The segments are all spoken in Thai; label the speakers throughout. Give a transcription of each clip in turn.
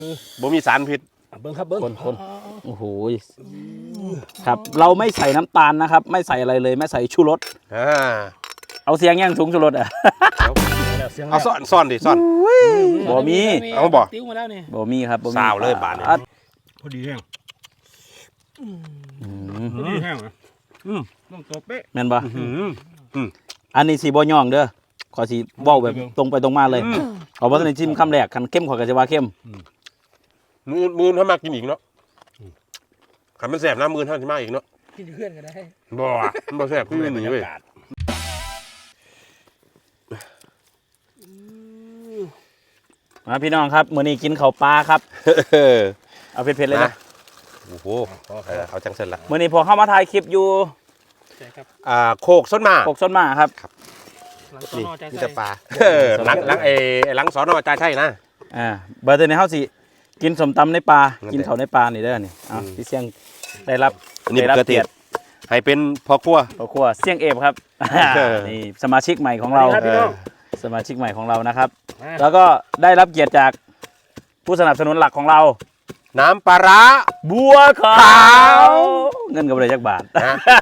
Speaker 1: บ่มีสารพิษ
Speaker 2: เบิ้งครับเบิ้ง
Speaker 3: คนโอ้โหครับเราไม่ใส่น้ำตาลนะครับไม่ใส่อะไรเลยไม่ใส่ชูรสเอาเสียงย่างสูงชูรสอ่ะ
Speaker 1: เอาซ่อนดิซ่อน
Speaker 3: บ่มี
Speaker 1: เอาบ่
Speaker 2: ติ้วมาแล้วนี่
Speaker 3: บ่มีครับบ่มี
Speaker 1: สาวเลยบาดนี้
Speaker 2: พอดีแห้งพอดีแห้งต้องตัวเป๊ะ
Speaker 3: แม่นบ่อันนี้สีบ่ย่องเด้อขอสีเว้าแบบตรงไปตรงมาเลยขอบ่ทันได้ชิมคำแรกคันเข้มขอยก็จะว่าเข้ม
Speaker 1: มือถ้ามากินอีกเนาะขันมันแสบน้ำมือท่านที่มาอีกเนาะ
Speaker 2: กินเพื่อนก็ได้
Speaker 1: บ่แสบขึ้นหนีเว้ย
Speaker 3: มาพี่น้องครับมื้อนี้กินข้าวปลาครับเอาเผ็ดๆเลยนะ
Speaker 1: โอ้โหเขาจังเสร็จละ
Speaker 3: มื้อนี้พอเข้ามาถ่ายคลิปอยู่
Speaker 1: โคกส้นมา
Speaker 3: โคกส้นมาครับ
Speaker 1: นี่มีแต่ปลาหลังสอนอจ่าใช่นะ
Speaker 3: เบอร์เตอร์ในเฮาสิกินสมตำในปลากินเขาในปลานี่เด้อนี่พี่เสี่ยงได้รับ
Speaker 1: เกียรติให้เป็นพ่อครัว
Speaker 3: เสี่ยงเอฟครับนี่สมาชิกใหม่ของเราสมาชิกใหม่ของเรานะครับแล้วก็ได้รับเกียรติจากผู้สนับสนุนหลักของเรา
Speaker 1: น้ำปลาร้า
Speaker 3: บัวขาวเงินกับอะไรจักบาท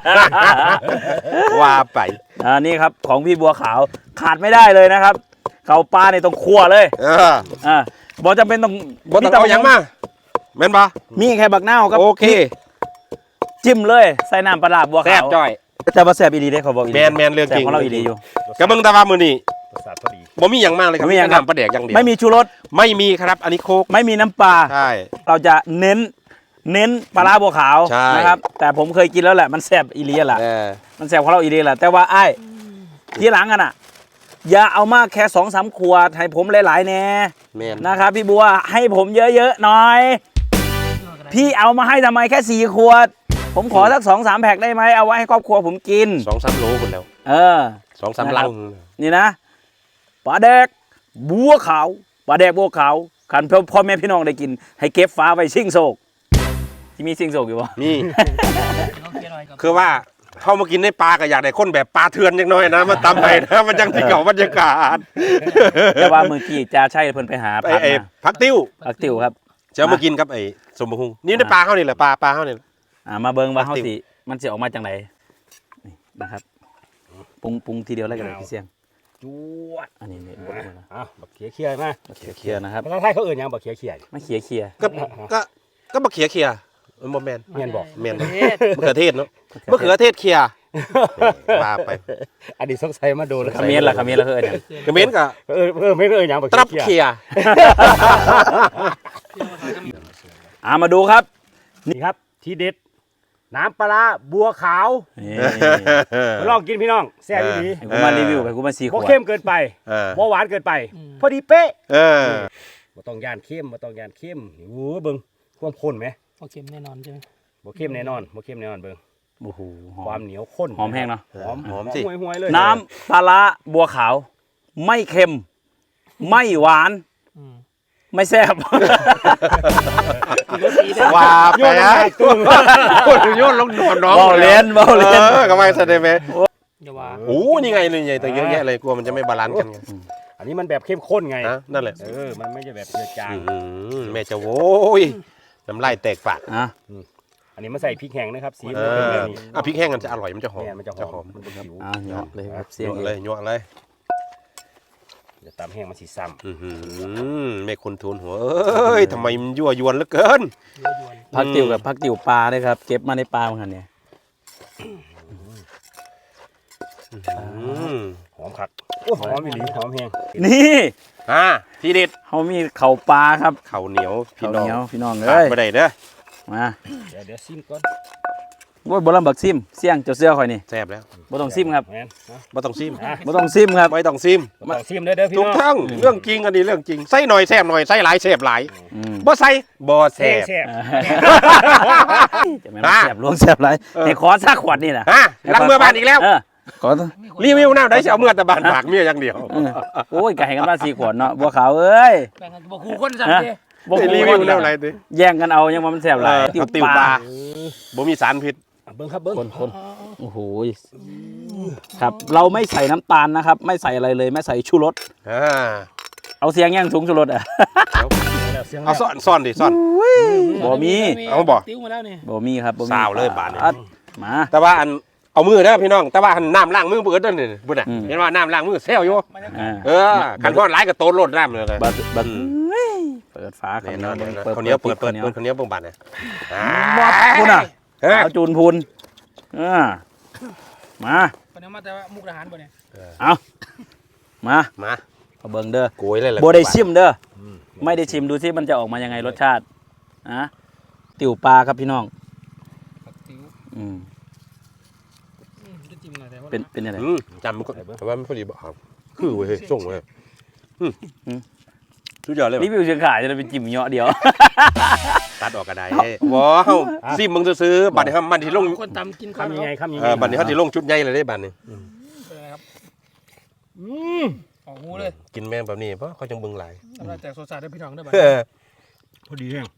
Speaker 1: ว่าไป
Speaker 3: นี่ครับของพี่บัวขาวขาดไม่ได้เลยนะครับเขาปลาในตรงครัวเลยบอจำเป็นต้อง
Speaker 1: เอาอย่างมาแม่นปะ
Speaker 3: มีแค่บักนาวครับ
Speaker 1: โอเค
Speaker 3: จิ้มเลยใส่น้ำปลาบัวขาวแซ่บ
Speaker 1: จ้อย
Speaker 3: แต่ว่าแซ่บอีดีได้เขาบอกอี
Speaker 1: ดีแมนเรื่องจริง
Speaker 3: ของเราอีดีอยู่
Speaker 1: กระเบื้องตะวันมือนี่บ่มีอย่างมากเลยครับ
Speaker 3: ไม่มีอย่างน้
Speaker 1: ำปลาแดกอย่างเดียว
Speaker 3: ไม่มีชูรส
Speaker 1: ไม่มีครับอันนี้โคก
Speaker 3: ไม่มีน้ำปลา
Speaker 1: ใช่
Speaker 3: เราจะเน้นปลาบัวขาวนะครับแต่ผมเคยกินแล้วแหละมันแซ่บอีดีแหละมันแซ่บของเราอีดีแหละแต่ว่าไอ้ทีหลังกันอ่ะอย่าเอามากแค่2-3 ขวดให้ผมหลายๆแน่นะครับพี่บัวให้ผมเยอะๆหน่อยพี่เอามาให้ทำไมแค่4 ขวดผมขอสัก2-3 แพ็คได้ไหมเอาไว้ให้ครอบครัวผมกิน
Speaker 1: 2-3 โลคนแล้ว2-3 ลัง
Speaker 3: นี่นะปลาแดกบัวขาวปลาแดกบัวขาวขันพ่อแม่พี่น้องได้กินให้เก็บฟ้าไว้ชิงโศกที่มีชิงโศกอยู่วะ
Speaker 1: มีคือว่าเข้ามากินในปลาก็อยากได้คนแบบปลาเถื่อนอย่างน้อยนะมันตำไปนะมันจังที่เก่าบรรยากาศ
Speaker 3: แต่ว่าเมื่อกี้จะใช่เพิ่นไปหา
Speaker 1: พักติ้ว
Speaker 3: ครับ
Speaker 1: จะมากินกับไอ้สมบูรณ์นี่ในปลาเขานี่แหละปลาเขานี่
Speaker 3: มาเบิ่งว่าเขาสิมันจะออกมาจากไหนนะครับปรุงทีเดียวแล้วกันเลยพี่เสี่ยง
Speaker 2: จวด
Speaker 3: อันนี้
Speaker 2: บักเขียมา
Speaker 3: เขียนะครับ
Speaker 2: ภาษาไทยเขาเอ่ยยังบักเขีย
Speaker 3: ไม่เขีย
Speaker 1: ก็บักเขียมันบ่แมน
Speaker 2: บอก
Speaker 1: แมนมะเขือเทศเนาะมะเขือเทศเขียมาไป
Speaker 2: อันนี้สงสัยมาโดน
Speaker 3: ขมิ้นล่ะคืออะไร
Speaker 1: ขมิ้นก็
Speaker 2: ไม่เอ่ยยังบัก
Speaker 1: ตรับเขีย
Speaker 3: มาดูครับ
Speaker 2: นี่ครับทีเด็ดน้ำปลาบัวขาวลองกินพี่น้องแซ่บดี
Speaker 3: กูมารีวิวไปกูมา4 ขวด
Speaker 2: บ่เข้มเกินไปบ่หวานเกินไปพอดีเป๊ะบ่ต้องย่านเข้มโอ้เบิ่งความข้นไหม
Speaker 4: บ่เข้มแน่นอนใช่ไหม
Speaker 2: บ่เข้มแน่นอนเบิ่ง
Speaker 3: โอ้โห
Speaker 2: ความเหนียวข้น
Speaker 3: หอมแห้งเนาะ
Speaker 1: หอมสิ
Speaker 2: ห่วยเลย
Speaker 3: น้ำปลาบัวขาวไม่เค็มไม่หวานไม่แซ่บ
Speaker 1: ว่าไปนะโยนลงโดนน้อง
Speaker 3: เบาเล่น
Speaker 1: ก็ไม่แสดงไหม
Speaker 4: อย่าว่า
Speaker 1: โอ้นี่ไงเลยใหญ่แต่เยอะแยะเลยกลัวมันจะไม่บาลานซ์กันไง
Speaker 2: อันนี้มันแบบเข้มข้นไง
Speaker 1: นั่นแหละ
Speaker 2: มันไม่ใช่แบบเจือจาง
Speaker 1: แม่จะโว้ยน้ำลายแตกปาก
Speaker 2: อันนี้มาใส่พริกแห้งนะครับสี
Speaker 1: พริกแห้งมันจะอร่อยมันจะหอม
Speaker 2: มันจะหอม
Speaker 3: เยอะเลยครับเสียง
Speaker 1: เลยยั่วเลย
Speaker 2: จะตำแห้งมันสีซ้
Speaker 1: ำแม่คนทูลหัวทำไมมันยั่วยวนเหลือเกิน
Speaker 3: พักติ๋วกับพักติ๋วปลาด้วยครับเก็บมาในปลาเหมือนกันเนี่ย
Speaker 2: หอมคักหอมอีหลีหอมแห้ง
Speaker 3: นี่
Speaker 1: ทีเด็ด
Speaker 3: เขามีเข่าปลาครับ
Speaker 1: เข่าเหนียวพี่น้อง
Speaker 3: เลย
Speaker 1: ไม่ได้เด้อ
Speaker 3: มา
Speaker 2: เดี๋ยวซิมก่อน
Speaker 3: ว่าบอลลัมบักซิมเสี่ยงเจ้าเสื้อคอยนี่
Speaker 1: แซ่บแล้ว
Speaker 3: บ่ต้องซิมครับ
Speaker 1: บ่ต้องซิม
Speaker 3: ครับ
Speaker 1: ไม่ต้องซิม
Speaker 2: เด้อพี่น้อง
Speaker 1: ทุกทั้งเรื่องจริงอันนี้เรื่องจริงใส่หน่อยแซ่บหน่อยใส่หลายแซ่บหลายบ่ใส่บ่แซ่บ
Speaker 3: จะไม่แซ่บล้วงแซ่บหลายให้ขอสักขวดนี่นะ
Speaker 1: ล้างมือบ้านอีกแล้ว
Speaker 3: ขอ
Speaker 1: รีวิวน้ำได้เอาเมื่อแต่บ้านฝากเมียอย่างเดียว
Speaker 3: โอ้ยไก่กันบ้าน4 ขวดเนาะบัวขาวเอ้ย
Speaker 4: แบ่งกันบ่คู่คนสั่งดิ
Speaker 1: บ่รีวิวแล้วอะไรดิ
Speaker 3: แย่งกันเอายังว่ามันแซ่บหลาย
Speaker 1: ติวปลาบ่มีสารพิษ
Speaker 2: เบิ้งครับเบิ้ง
Speaker 3: คนโอ้โหครับเราไม่ใส่น้ำตาลนะครับไม่ใส่อะไรเลยไม่ใส่ชูรสเอาเสียงยังสูงสุดรถอ่ะ
Speaker 2: แล้วเสียง
Speaker 1: เอาซ่อนดิซ่อน
Speaker 3: บ่มี
Speaker 1: เอาบ่
Speaker 4: ติ้วมาแล้วนี่
Speaker 3: บ่มีครับบ่มี
Speaker 1: สาวเลยบาดนี้
Speaker 3: อัดมา
Speaker 1: แต่ว่าอันเอามือนะพี่น้องแต่ว่าน้ำล้างมือเบิดนั่นนี่บุญน่ะ
Speaker 3: อืม
Speaker 1: เห็นว่าน้ำล้างมือเซลอยู่
Speaker 4: บรรยากา
Speaker 3: อ่า
Speaker 4: ศ
Speaker 1: เออคันทอดหลายก็โตนโลดน้ำเลย
Speaker 3: บัดเปิดฝา
Speaker 1: เนี่ย
Speaker 3: ข้าวเหนียว
Speaker 1: เนี่ยคนเหนี้ยวเปิด
Speaker 3: ข้าวหนียว
Speaker 1: คนเหนี้ยวเบิ่งบาดเนี่ย
Speaker 3: มอดคุณอ่ะ
Speaker 1: เฮ้ย
Speaker 3: เอาจูนพูนมา
Speaker 4: คนนี้มาแต่ว่ามุกดาหารบ่เนี่ย
Speaker 3: เอามา
Speaker 1: มา
Speaker 3: เอาเบิ่งเด้อ
Speaker 1: โกยเลยแหละ
Speaker 3: โบได้ชิมเด้อไม่ได้ชิมดูซิมันจะออกมายังไงรสชาตินะติ๋วปลาครับพี่น้อง
Speaker 4: ผักติ้ว
Speaker 3: อืม
Speaker 4: จะจิ้มหน่อยแต่ว่า
Speaker 3: เป็นยังไง
Speaker 1: จำมันก็แต่ว่าไม่พอดีบอกครับคือเว้ยส่งเว้ยสุดยอดเลย
Speaker 3: รี
Speaker 1: ว่ะ
Speaker 3: วิวเชียงขายจะไปจิ้มเหยาะเดียว
Speaker 1: ตัดออกกระไดว้าวซิมมึงซื้อๆบัดนี้ครับมันที่ลง
Speaker 4: คนตำกินข้าว
Speaker 2: คำยังไงคำยัง
Speaker 1: เอ
Speaker 2: ไง
Speaker 1: อบัดนี้เขาที่ลงชุดใหญ่เลยได้บัดนี้
Speaker 4: เป็นไงครับออกหูเลย
Speaker 1: กินแมงแบบนี้เพราะเขาจังเบิ่งหลาย
Speaker 4: สำหรับแจกโซซาได้พี่น้องได้บ้าง
Speaker 1: เออ
Speaker 2: พอดีแห้ง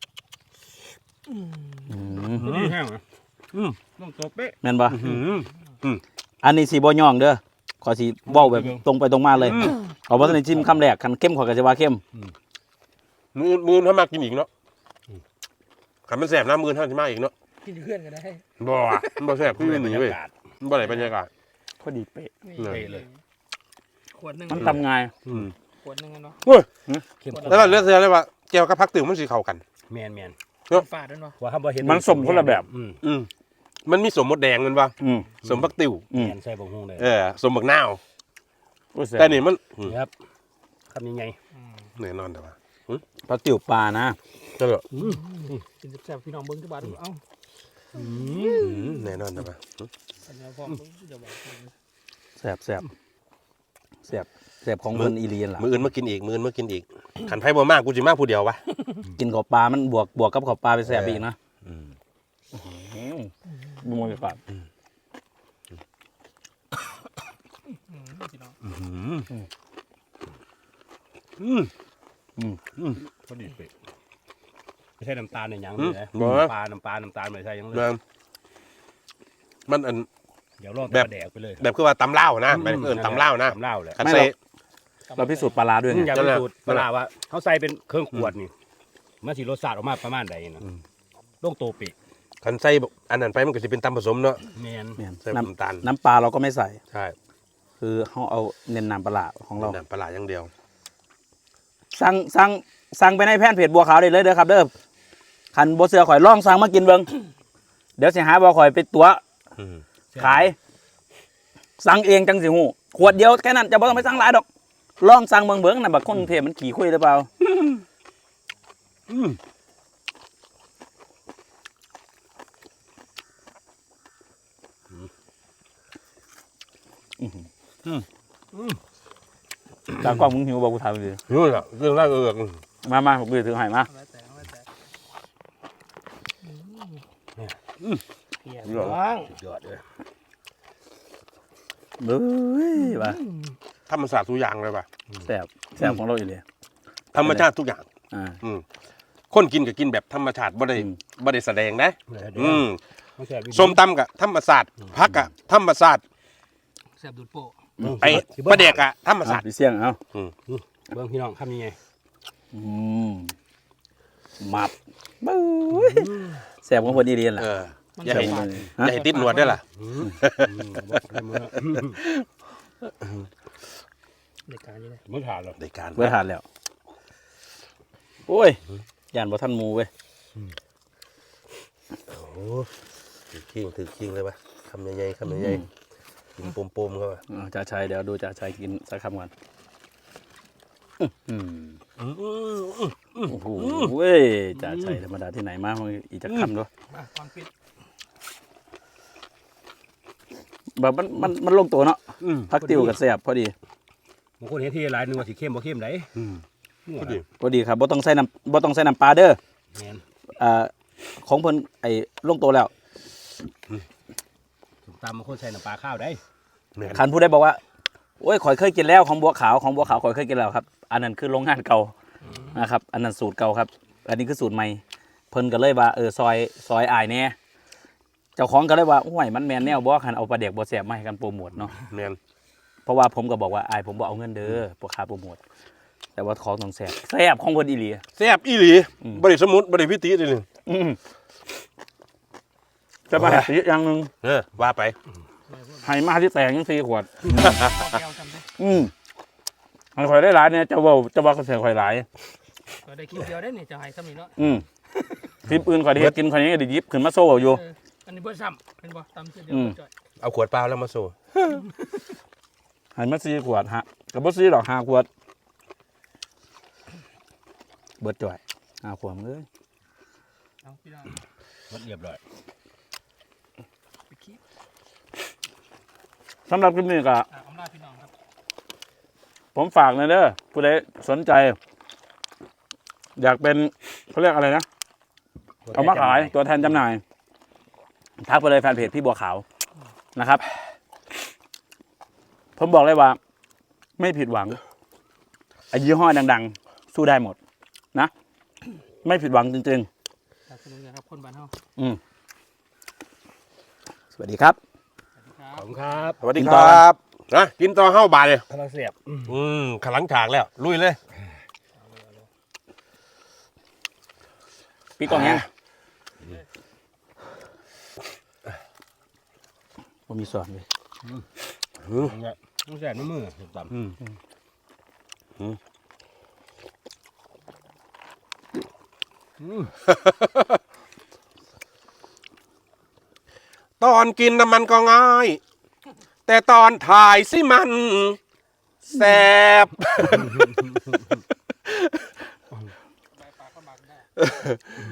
Speaker 2: พอดีแห้งอ่ะต้องตัวเป๊ะ
Speaker 3: แม่นปะ
Speaker 1: หืม
Speaker 3: อันนี้สีบ่ย่องเด้อขอสีเว้าแบบตรงไปตรงมาเลยเอาว่าในจิ้มคำแรกคันเข้มขอยก็จะว่าเข้ม
Speaker 1: มือถ้ามากินอีกเนาะขันมันแสบนะมือถ้าจะมาอีกเนาะ
Speaker 4: กินเพื่อนกันได้
Speaker 1: บ่อะมันบ่แสบคือหนีเว้ยมันบ่ไหนบรรยากาศ
Speaker 3: พอดีเป๊ะ
Speaker 4: นี่
Speaker 1: เลย
Speaker 4: เลยขวดหนึ่ง
Speaker 3: มันทำไง
Speaker 4: ขวดหนึ่งเนาะ
Speaker 2: เข้มข้น
Speaker 1: แล้วเราเลือกเสียเลยว่าแก้วกับพักติ๋วมันสีเข้ากัน
Speaker 2: แมนแมน
Speaker 4: ฝาดด้วยเนาะ
Speaker 2: ว่าคำว่าเห็น
Speaker 3: มันสมคนละแบบ
Speaker 1: มันมีสมมดแดงมันป่ะ
Speaker 3: อืม
Speaker 1: สมพักติ๋ว
Speaker 3: อืม
Speaker 2: แมนใส่บงฮงเลย
Speaker 1: สมบักนาว
Speaker 3: โอ้ยแซ่บ
Speaker 1: แต่นี่มัน
Speaker 2: ครับคำยังไง
Speaker 1: แน่นอนแต่ว่า
Speaker 3: ปลาติ๋วปลานะ
Speaker 1: ก็เลย
Speaker 4: กินแซ่บพี่น้องเบิ้งทุกบาทเอ้า
Speaker 1: แน่นอนแต่ว่า
Speaker 4: อันนี้พ่อเดี๋ยวบอก
Speaker 3: แซ่บแซ่บแซ่บแซ่บของเพิ่นอีเลียนล่ะ
Speaker 1: มืออื่นมากินอีกมืออื่นมากินอีกขันไพ่บ่มากกูจิมากผู้เดียววะ
Speaker 3: กินขอบปลามันบวกกับขอบปลาไปแซ่บอีกนะบุ้งเลยปาก
Speaker 4: พี่น้อง
Speaker 2: พอดีเป๊ะไม่ใช่น้ำตาลในยังเลยนะปลาน้ำตาลไม่ใช่ยังเลย
Speaker 1: มันอัน
Speaker 2: เดี๋ยวรอแบบแดกไปเลย
Speaker 1: แบบคือว่าตำเล่าวนะแบบตำเล่าวนะ
Speaker 2: ตำเล่าแหละ
Speaker 1: ขันใส่
Speaker 3: เราพิสูจน์ปลาร้าด้วยไง
Speaker 2: อยากพิสูจน์ปลาว่าเขาใส่เป็นเครื่องขวดนี่มันสิรสชาติออกมาประมาณใดนะลงโตเป๊ะ
Speaker 1: ขันใส่อันนั้นไปมันก็จะเป็นตำผสมเนาะ
Speaker 2: แมน
Speaker 1: ใส่
Speaker 3: น้
Speaker 1: น้ำตาล
Speaker 3: ำน้ำปลาเราก็ไม่ใส่
Speaker 1: ใช่
Speaker 3: คือเขาเอาเน้นน้ำปลาร้าของเรา
Speaker 1: น้ำปลาร้าอย่างเดียว
Speaker 3: สั่งไปในแพนเพจบัวขาวได้เลยเด้อครับเด้อคันบัวเสือข่อยล่องสั่งมากินเบิ่งเดี๋ยวสิหาบัวข่อยไปตัวขาย สั่งเองจังสิหูขวดเดียวแค่นั้นจะบ่ต้องไปสั่งหลายดอกลองสั่งเบิ่งน่ะบักคนกรุงเทพมันขี่คุยหรือเปล่าจากกล้องมึงหิวบ่กูถามดิ
Speaker 1: นู่นแหละเรื่องแรก
Speaker 3: มาผมถือให้มา
Speaker 4: แล้วแต่เฮียน้อง
Speaker 2: สุดยอดเลย
Speaker 3: เบ้ยว่ะ
Speaker 1: ธรรมศาสตร์ทุกอย่างเลยป่ะ
Speaker 3: แซ่บของเราอยู่เลย
Speaker 1: ธรรมชาติทุกอย่าง
Speaker 3: อ่า
Speaker 1: คนกินก็กินแบบธรรมชาติบ่ได้แสดงนะส้มตำกับธรรมศาสตร์ผักกับธรรมศาสตร์
Speaker 4: แซ่บดูดโป้
Speaker 1: ไอ้ปลาเด็กอะธรรมศาสตร์
Speaker 3: พี่เสี่ยงเอา
Speaker 2: เบิ้งพี่น้องคำยังไง
Speaker 3: มับเบ้ยแซ่บของคนดีเรียนแหละ
Speaker 1: อย่าให้ติดหนวดด้วยล่ะ
Speaker 4: เด็กการนี่เลย
Speaker 2: ไม่ขาดหรอก
Speaker 1: ในการ
Speaker 3: เว้ยทานแล้วโอ้ยย่านบ่ทันหมูเว้ย
Speaker 1: โอ้ถือคิงเลยป่ะคำใหญ่ๆคำใหญ่ๆกินปมๆเข้าไป
Speaker 3: จ่าชัยเดี๋ยวดูจ่าชัยกินสักคำก่อนโอ้โหเว้ยจ่าชัยธรรมดาที่ไหนมามึงอีกจักคำด้วย
Speaker 4: มาความปิด
Speaker 3: แบบมันลงตัวเนาะพักติวกับแซ่บพอดี
Speaker 2: บางคนเห็นที่หลายนึงว่าสีเข้มบ่เข้มไหน
Speaker 1: ก็ดี
Speaker 3: พอดีครับบ่ต้องใส่น้ำปลาเด้อ
Speaker 2: แมน
Speaker 3: ของเพิ่นไอ้ลงตัวแล้ว
Speaker 2: ตามบางคนใส่น้ำปลาข้าวได้
Speaker 3: คันผู้ใดบอกว่าโอ้ยข่อยเคยกินแล้วของบัวขาวข่อยเคยกินแล้วครับอันนั้นคือโรงงานเก่านะครับอันนั้นสูตรเก่าครับ อันนี้คือสูตรใหม่เพิ่นก็เลยว่าซอยอายแน่เจ้าของก็เลยว่าโอ้ยมันแม่นแนวบ่คันเอาปลาเด็กบ่แซ่บมาให้กันโปรโมทเนาะ
Speaker 1: แมน
Speaker 3: เพราะว่าผมก็บอกว่าอายผมบ่เอาเงินเด้อบ่ค่าโปรโมทแต่ว่าของต้องแซ่บแซ่บของคนอีหลี
Speaker 1: แซ่บอีหลีบริสมุดบริพิติเลยนึง
Speaker 3: จะมาสีอย่างหนึ่ง
Speaker 1: ว่าไป
Speaker 3: ให้มาที่แตกยัง4 ขวด
Speaker 4: พอแก้วจำได้
Speaker 3: มันคอยได้หลายเนี่ยจะว่าเขาเสียคอยหลาย
Speaker 4: ก็ได้คิวเดียวได้นี่จะให้ซ้ำนี่เนาะ
Speaker 3: ทีมอื่นคอยได้เฮ็ดกินคอยนี้ก็ได้หยิบขึ้นมาโซ่อยู่
Speaker 4: อันนี้เบอร์ซ้ำเป็นบ่ตำเสียเดียวจ่อย
Speaker 1: เอาขวดเปล่าแล้วมาโซ่
Speaker 3: ให้มา4 ขวดฮะกับบ่4 ดอก5 ขวดเบิดจ่อย5 ขวดเลย
Speaker 4: เอาพี่น้อง
Speaker 2: มันเรียบร้อย
Speaker 4: ไปคิด
Speaker 3: สำหรับคลิปนี้ก็
Speaker 4: อำลาพี่น้องครับ
Speaker 3: ผมฝากเลยเด้อผู้ใดสนใจ อยากเป็นเขาเรียกอะไรนะเอามาขายตัวแทนจำหน่ายทักไปเลยแฟนเพจพี่บัวขาวนะครับ ผมบอกเลยว่า ไม่ผิดหวังไอ้ยี่ห้อดังๆ สู้ได้หมดนะ ไม่ผิดหวังจริง
Speaker 4: ขอบคุณนะครับคนบ้านเฮา
Speaker 3: ๆ สวัสดีครับ
Speaker 4: สวัสดีครับ
Speaker 2: ขอบคุณครับ
Speaker 1: สวัสดีครับนะกินต่อเข้าบาทเลย
Speaker 2: กำลังเสียบ
Speaker 1: ขลังฉากแล้ว ลุยเลย
Speaker 3: พี่กองยังผมมีส่วนเลย
Speaker 2: ต้องแสบน้ำมือตำ
Speaker 1: ตอนกินน้ำมันก็ง่าย แต่ตอนถ่ายสิมันแสบ
Speaker 4: ใบปากก็บักได้